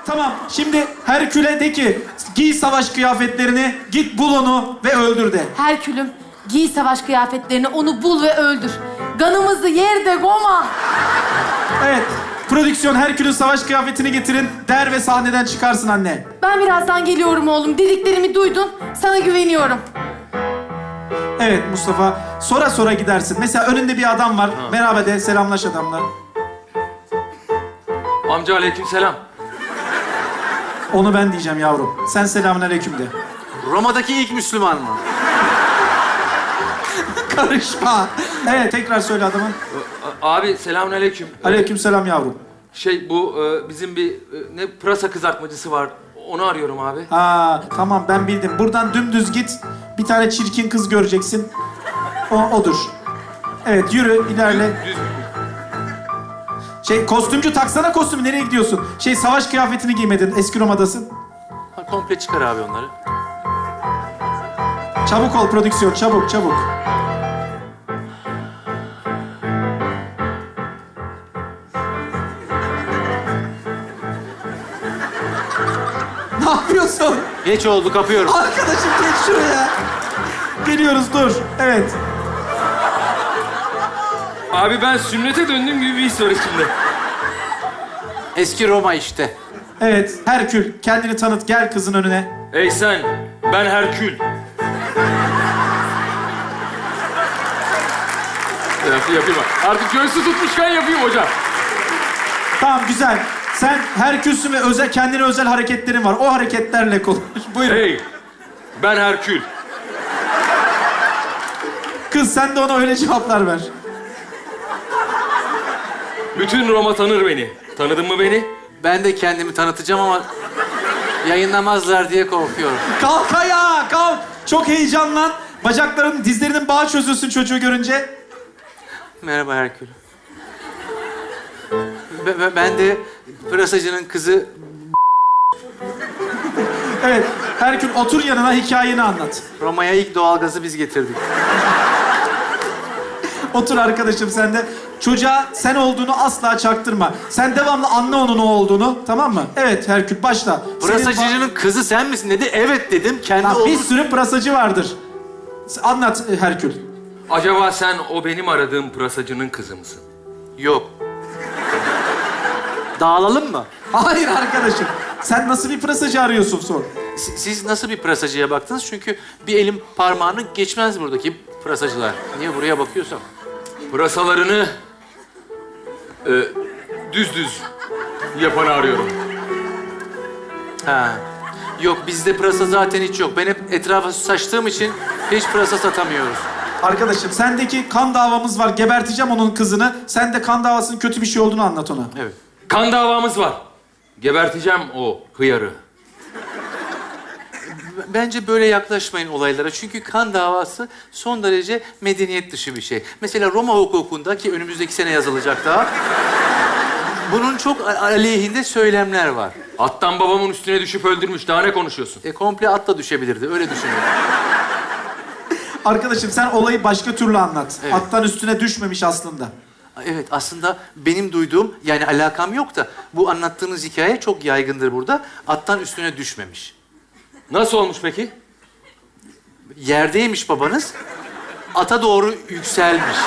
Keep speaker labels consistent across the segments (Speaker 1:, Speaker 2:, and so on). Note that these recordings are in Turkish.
Speaker 1: Tamam, şimdi Herkül'e de ki giy savaş kıyafetlerini, git bul onu ve öldür de.
Speaker 2: Herkülüm, giy savaş kıyafetlerini, onu bul ve öldür. Kanımızı yerde goma.
Speaker 1: Evet, prodüksiyon Herkül'ün savaş kıyafetini getirin der ve sahneden çıkarsın anne.
Speaker 2: Ben birazdan geliyorum oğlum. Dediklerimi duydun. Sana güveniyorum.
Speaker 1: Evet Mustafa, sonra sonra gidersin. Mesela önünde bir adam var, merhaba de, selamlaş adamla.
Speaker 3: Amca aleykümselam.
Speaker 1: Onu ben diyeceğim yavrum. Sen selamünaleyküm de.
Speaker 4: Roma'daki ilk Müslüman mı?
Speaker 1: Karışma. Evet, tekrar söyle adamın.
Speaker 3: Abi selamünaleyküm.
Speaker 1: Aleykümselam yavrum.
Speaker 3: Bu bizim bir ne pırasa kızartmacısı var. Onu arıyorum abi.
Speaker 1: Aa, tamam ben bildim. Buradan dümdüz git. Bir tane çirkin kız göreceksin. Odur. Evet, yürü, ilerle. Kostümcü taksana kostümü. Nereye gidiyorsun? Savaş kıyafetini giymedin. Eski Roma'dasın.
Speaker 4: Ha, komple çıkar abi onları.
Speaker 1: Çabuk ol prodüksiyon, çabuk, çabuk. Ne yapıyorsun?
Speaker 4: Geç oldu, kapıyorum.
Speaker 1: Arkadaşım geç şuraya. Geliyoruz, dur. Evet.
Speaker 3: Abi ben sünnete döndüğüm gibi bir his var içimde.
Speaker 4: Eski Roma işte.
Speaker 1: Evet, Herkül. Kendini tanıt, gel kızın önüne.
Speaker 3: Ey sen, ben Herkül. Yapayım. Artık göğsü tutmuşken yapayım hocam.
Speaker 1: Tamam, güzel. Sen Herkülsün ve kendine özel hareketlerin var. O hareketlerle konuş. Buyurun.
Speaker 3: Hey, ben Herkül.
Speaker 1: Kız, sen de ona öyle cevaplar ver.
Speaker 3: Bütün Roma tanır beni. Tanıdın mı beni?
Speaker 4: Ben de kendimi tanıtacağım ama yayınlamazlar diye korkuyorum.
Speaker 1: Kalk ayağa, kalk. Çok heyecanlan. Dizlerinin bağı çözülsün çocuğu görünce.
Speaker 4: Merhaba Herkül. Ben de pırasacının kızı...
Speaker 1: Evet, Herkül otur yanına, hikayeni anlat.
Speaker 4: Roma'ya ilk doğalgazı biz getirdik.
Speaker 1: Otur arkadaşım sen de. Çocuğa sen olduğunu asla çaktırma. Sen devamlı anla onun o olduğunu, tamam mı? Evet Herkül, başla.
Speaker 4: Pırasacının kızı sen misin dedi. Evet dedim. Kendi
Speaker 1: Lan, bir
Speaker 4: olduğunu...
Speaker 1: sürü pırasacı vardır. Anlat Herkül.
Speaker 3: Acaba sen o benim aradığım pırasacının kızı mısın?
Speaker 4: Yok. Dağılalım mı?
Speaker 1: Hayır arkadaşım. Sen nasıl bir pırasacı arıyorsun sor.
Speaker 4: Siz nasıl bir pırasacıya baktınız? Çünkü bir elim parmağını geçmez buradaki pırasacılar. Niye buraya bakıyorsam?
Speaker 3: Pırasalarını düz yapanı arıyorum.
Speaker 4: Ha. Yok, bizde pırasa zaten hiç yok. Ben hep etrafa saçtığım için hiç pırasa satamıyoruz.
Speaker 1: Arkadaşım sendeki kan davamız var. Geberteceğim onun kızını. Sen de kan davasının kötü bir şey olduğunu anlat ona.
Speaker 4: Evet.
Speaker 3: Kan davamız var. Geberteceğim o hıyarı.
Speaker 4: Bence böyle yaklaşmayın olaylara. Çünkü kan davası son derece medeniyet dışı bir şey. Mesela Roma hukukunda, ki önümüzdeki sene yazılacak daha... bunun çok aleyhinde söylemler var.
Speaker 3: Attan babamın üstüne düşüp öldürmüş. Daha ne konuşuyorsun?
Speaker 4: Komple atla düşebilirdi. Öyle düşünüyorum.
Speaker 1: Arkadaşım sen olayı başka türlü anlat.
Speaker 4: Evet.
Speaker 1: Attan üstüne düşmemiş aslında.
Speaker 4: Evet, aslında benim duyduğum, yani alakam yok da... bu anlattığınız hikaye çok yaygındır burada. Attan üstüne düşmemiş.
Speaker 3: Nasıl olmuş peki?
Speaker 4: Yerdeymiş babanız, ata doğru yükselmiş.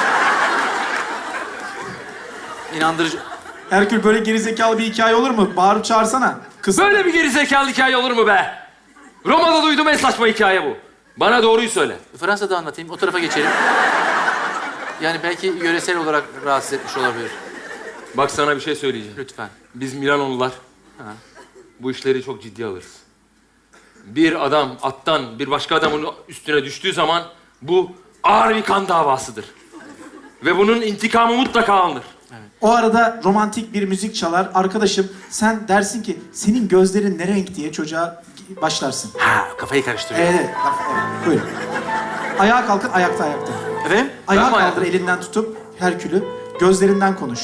Speaker 4: İnandırıcı...
Speaker 1: Herkül, böyle gerizekalı bir hikaye olur mu? Bağırıp çağırsana. Kız.
Speaker 3: Böyle bir gerizekalı hikaye olur mu be? Roma'da duydum en saçma hikaye bu. Bana doğruyu söyle.
Speaker 4: Fransa'da anlatayım, o tarafa geçelim. Yani belki yöresel olarak rahatsız etmiş olabilir.
Speaker 3: Bak sana bir şey söyleyeceğim.
Speaker 4: Lütfen.
Speaker 3: Biz Milanolular bu işleri çok ciddi alırız. Bir adam attan bir başka adamın üstüne düştüğü zaman bu ağır bir kan davasıdır. Ve bunun intikamı mutlaka alınır.
Speaker 1: O arada romantik bir müzik çalar. Arkadaşım sen dersin ki senin gözlerin ne renk diye çocuğa başlarsın.
Speaker 4: Ha, kafayı karıştırıyor.
Speaker 1: Evet. Buyurun. Ayağa kalkın, ayakta.
Speaker 4: Efendim?
Speaker 1: Ayağa
Speaker 3: Ben mi
Speaker 1: kaldır elinden tutup Herkül'ü. Gözlerinden konuş.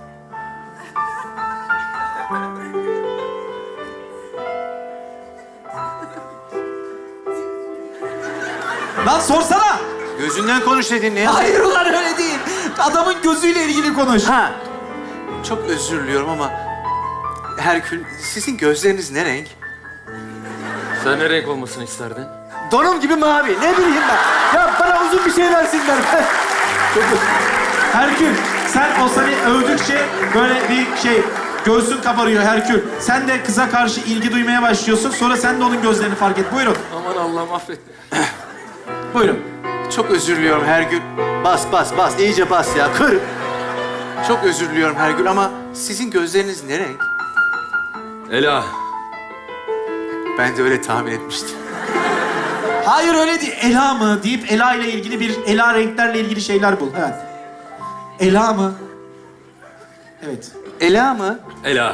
Speaker 1: Lan sorsana!
Speaker 4: Gözünden konuş dedin ne?
Speaker 1: Hayır ulan öyle değil. Adamın gözüyle ilgili konuş.
Speaker 4: Ha. Çok özür diliyorum ama Herkül, sizin gözleriniz ne renk?
Speaker 3: Sen ne renk olmasını isterdin?
Speaker 4: Donum gibi mavi. Ne bileyim ben. Ya bana uzun bir şey versinler.
Speaker 1: Herkül, sen o seni övdükçe böyle bir şey, göğsün kabarıyor Herkül. Sen de kıza karşı ilgi duymaya başlıyorsun. Sonra sen de onun gözlerini fark et. Buyurun.
Speaker 3: Aman Allah'ım affet.
Speaker 1: Buyurun.
Speaker 4: Çok özür diliyorum Hergül. Bas, bas, bas. İyice bas ya. Kır. Çok özür diliyorum Hergül ama sizin gözleriniz ne renk?
Speaker 3: Ela.
Speaker 4: Ben de öyle tahmin etmiştim.
Speaker 1: Hayır öyle değil. Ela mı deyip Ela ile ilgili bir Ela renklerle ilgili şeyler bul. Evet. Ela mı? Evet.
Speaker 4: Ela mı?
Speaker 3: Ela.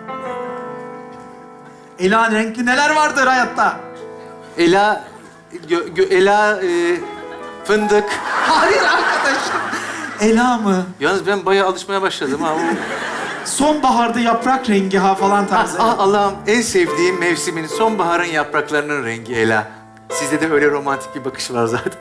Speaker 1: Ela renkli neler vardır hayatta?
Speaker 4: Ela... Ela... fındık.
Speaker 1: Hayır arkadaşım. Ela mı?
Speaker 4: Yalnız ben bayağı alışmaya başladım ha.
Speaker 1: Sonbaharda yaprak rengi ha falan tarzı.
Speaker 4: Ah Allah'ım, en sevdiğim mevsimin sonbaharın yapraklarının rengi Ela. Sizde de öyle romantik bir bakış var zaten.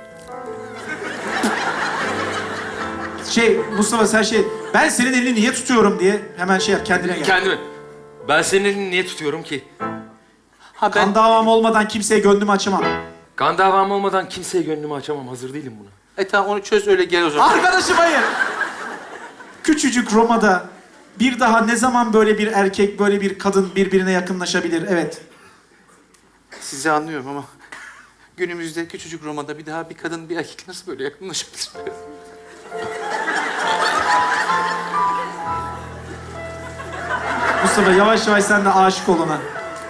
Speaker 1: Mustafa sen ben senin elini niye tutuyorum diye hemen yap kendine gel.
Speaker 3: Kendimi. Ben senin elini niye tutuyorum ki?
Speaker 4: Ha
Speaker 1: Kan davam olmadan kimseye gönlümü açamam.
Speaker 3: Kan davam olmadan kimseye gönlümü açamam. Hazır değilim buna.
Speaker 4: Tamam onu çöz öyle gel o zaman.
Speaker 1: Arkadaşım hayır. Küçücük Roma'da bir daha ne zaman böyle bir erkek, böyle bir kadın birbirine yakınlaşabilir? Evet.
Speaker 4: Sizi anlıyorum ama günümüzde küçücük Roma'da bir daha bir kadın bir erkek nasıl böyle yakınlaşabilir?
Speaker 1: Mustafa yavaş yavaş sen de aşık ol ona.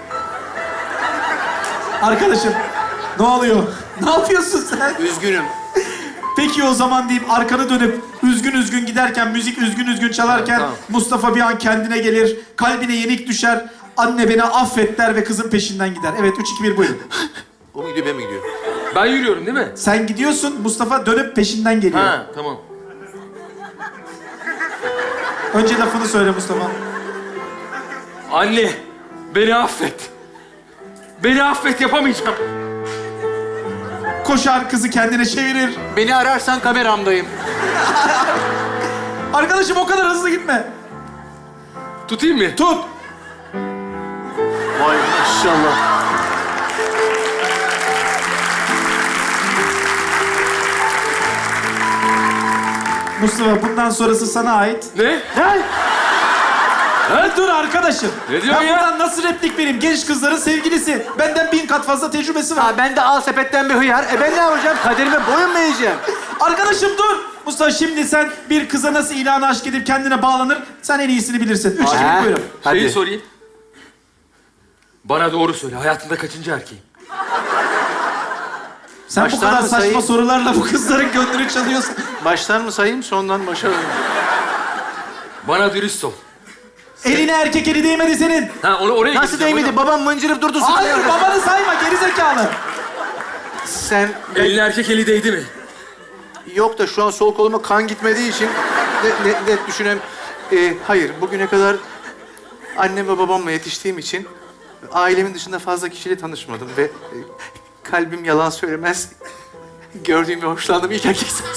Speaker 1: Arkadaşım ne oluyor? Ne yapıyorsun sen?
Speaker 4: Üzgünüm.
Speaker 1: Peki o zaman deyip arkanı dönüp üzgün üzgün giderken, müzik üzgün üzgün çalarken
Speaker 3: Tamam.
Speaker 1: Mustafa bir an kendine gelir, kalbine yenik düşer, anne beni affet der ve kızın peşinden gider. Evet 3, 2, 1 buyurun.
Speaker 4: O mu gidiyor ben mi gidiyorum?
Speaker 3: Ben yürüyorum değil mi?
Speaker 1: Sen gidiyorsun, Mustafa dönüp peşinden geliyor.
Speaker 3: Ha tamam.
Speaker 1: Önce lafını söyle Mustafa.
Speaker 3: Anne, beni affet. Beni affet, yapamayacağım.
Speaker 1: Koşar kızı kendine çevirir.
Speaker 4: Beni ararsan kameramdayım.
Speaker 1: Arkadaşım o kadar hızlı gitme.
Speaker 3: Tutayım mı?
Speaker 1: Tut.
Speaker 4: Vay maşallah.
Speaker 1: Mustafa bundan sonrası sana ait.
Speaker 3: Ne?
Speaker 1: Dur arkadaşım.
Speaker 3: Ne diyorsun
Speaker 1: Ben
Speaker 3: ya?
Speaker 1: buradan nasıl replik vereyim? Genç kızların sevgilisi. Benden 1000 kat fazla tecrübesi var.
Speaker 4: Ha ben de al sepetten bir hıyar. Ben ne yapacağım? Kaderime boyun mu eğeceğim?
Speaker 1: Arkadaşım dur. Mustafa şimdi sen bir kıza nasıl ilanı aşk edip kendine bağlanır? Sen en iyisini bilirsin. 3, 2, 1 buyurun.
Speaker 4: Hadi.
Speaker 3: Şeyi sorayım. Bana doğru söyle, hayatında kaçıncı erkeğim?
Speaker 1: Sen bu
Speaker 4: Baştan
Speaker 1: kadar
Speaker 4: mı
Speaker 1: saçma
Speaker 4: sayayım?
Speaker 1: sorularla bu kızların gönlünü çalıyorsun.
Speaker 4: Baştan mı sayayım, sondan başa alayım?
Speaker 3: Bana dürüst ol.
Speaker 1: Eline erkek eli değmedi senin.
Speaker 3: Ha, oraya
Speaker 4: Nasıl
Speaker 3: gideceğim,
Speaker 4: değmedi? Babam mıncırıp durdu.
Speaker 1: Hayır babanı sayma gerizekalı.
Speaker 4: Sen...
Speaker 3: Eline erkek eli değdi mi?
Speaker 4: Yok da şu an sol koluma kan gitmediği için net düşünem. Hayır, bugüne kadar annem ve babamla yetiştiğim için ailemin dışında fazla kişiyle tanışmadım ve kalbim yalan söylemez. Gördüğüm ve hoşlandığım ilk erkek sen.